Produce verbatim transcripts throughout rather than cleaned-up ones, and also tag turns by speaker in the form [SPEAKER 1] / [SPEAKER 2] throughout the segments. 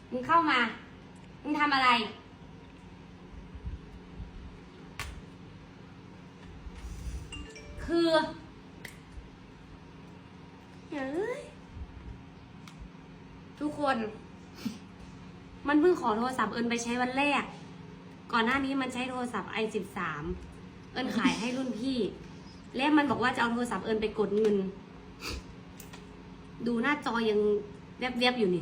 [SPEAKER 1] มึงเข้ามา มึงทำอะไร คือเฮ้ยทุกคน มันเพิ่งขอโทรศัพท์เอิญไปใช้วันแรก ก่อนหน้านี้มันใช้โทรศัพท์ ไอ สิบสาม เอิญขายให้รุ่นพี่ แล้วมันบอกว่าจะเอาโทรศัพท์เอิญไปกดเงิน ดูหน้าจอยังแวบๆอยู่นี่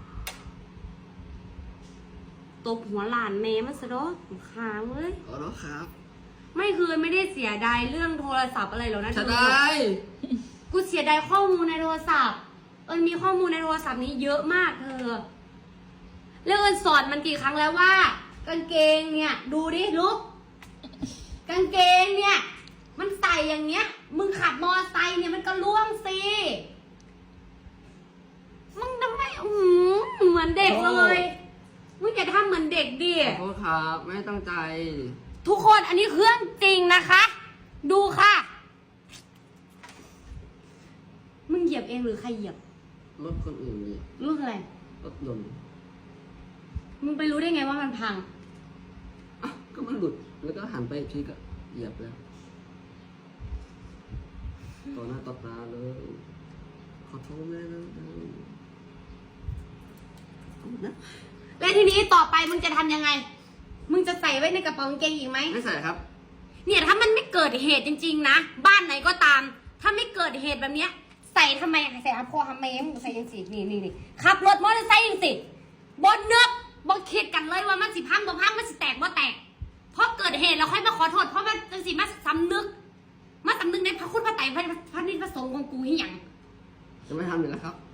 [SPEAKER 1] ตบหัวหลานแม่มันซะดอกค้างเว้ย
[SPEAKER 2] ขอแล้วครับ
[SPEAKER 1] ไม่คือไม่ได้เสียดายเรื่องโทรศัพท์อะไรหรอกนะ
[SPEAKER 2] จะ
[SPEAKER 1] เธอ
[SPEAKER 2] ได้
[SPEAKER 1] กูเสียดายข้อมูลในโทรศัพท์ เอิญมีข้อมูลในโทรศัพท์นี้เยอะมากเธอ แล้วเอิญสอนมันกี่ครั้งแล้วว่า กางเกงเนี่ย ดูดิลุกกางเกงเนี่ย มันใส่อย่างเงี้ย มึงขับมอไซค์เนี่ยมันก็ล่วงสิมึงทำไมอือเหมือนเด็กเลยมึงอย่าทำเหมือนเด็กดิ
[SPEAKER 2] ขอโทษครับไม่ตั้งใจ
[SPEAKER 1] ทุกคนอันนี้เครื่องจริงนะคะ ดูค่ะ มึงเหยียบเองหรือใครเหยียบ
[SPEAKER 2] รถคนอื่นนี่
[SPEAKER 1] รู้อะไร
[SPEAKER 2] รถยนต์
[SPEAKER 1] มึงไปรู้ได้ไงว่ามันพัง
[SPEAKER 2] อ่ะก็มันหลุดแล้วก็หันไปอีกทีก็เหยียบแล้วต่อหน้าต่อตาเลยขอโทษแม่นะนะ
[SPEAKER 1] และทีนี้ต่อไปมึงจะทำยังไง มึงจะใส่ไว้ในกระเป๋ากางเกงอีกไหม
[SPEAKER 2] ไม่ใส่ครับ
[SPEAKER 1] เนี่ยถ้ามันไม่เกิดเหตุจริงๆนะ บ้านไหนก็ตาม ถ้าไม่เกิดเหตุแบบเนี้ย ใส่ทำไมใส่อาพอทำไมมึงใส่ยังสินี่นี่นี่ขับรถมอเตอร์ไซค์ยังสิบนเนื้อบนคิดกันเลยว่ามันสิพังบ่พังมันสิแตกบ่แตกเพราะเกิดเหตุเราค่อยมาขอโทษเพราะมันจังสิมาสำนึกมาสำนึกในพระคุณพระไตรพระพระนิพพระสงฆ์ของกูที่หยัง
[SPEAKER 2] จะไม่ทำอีกแล้วครับ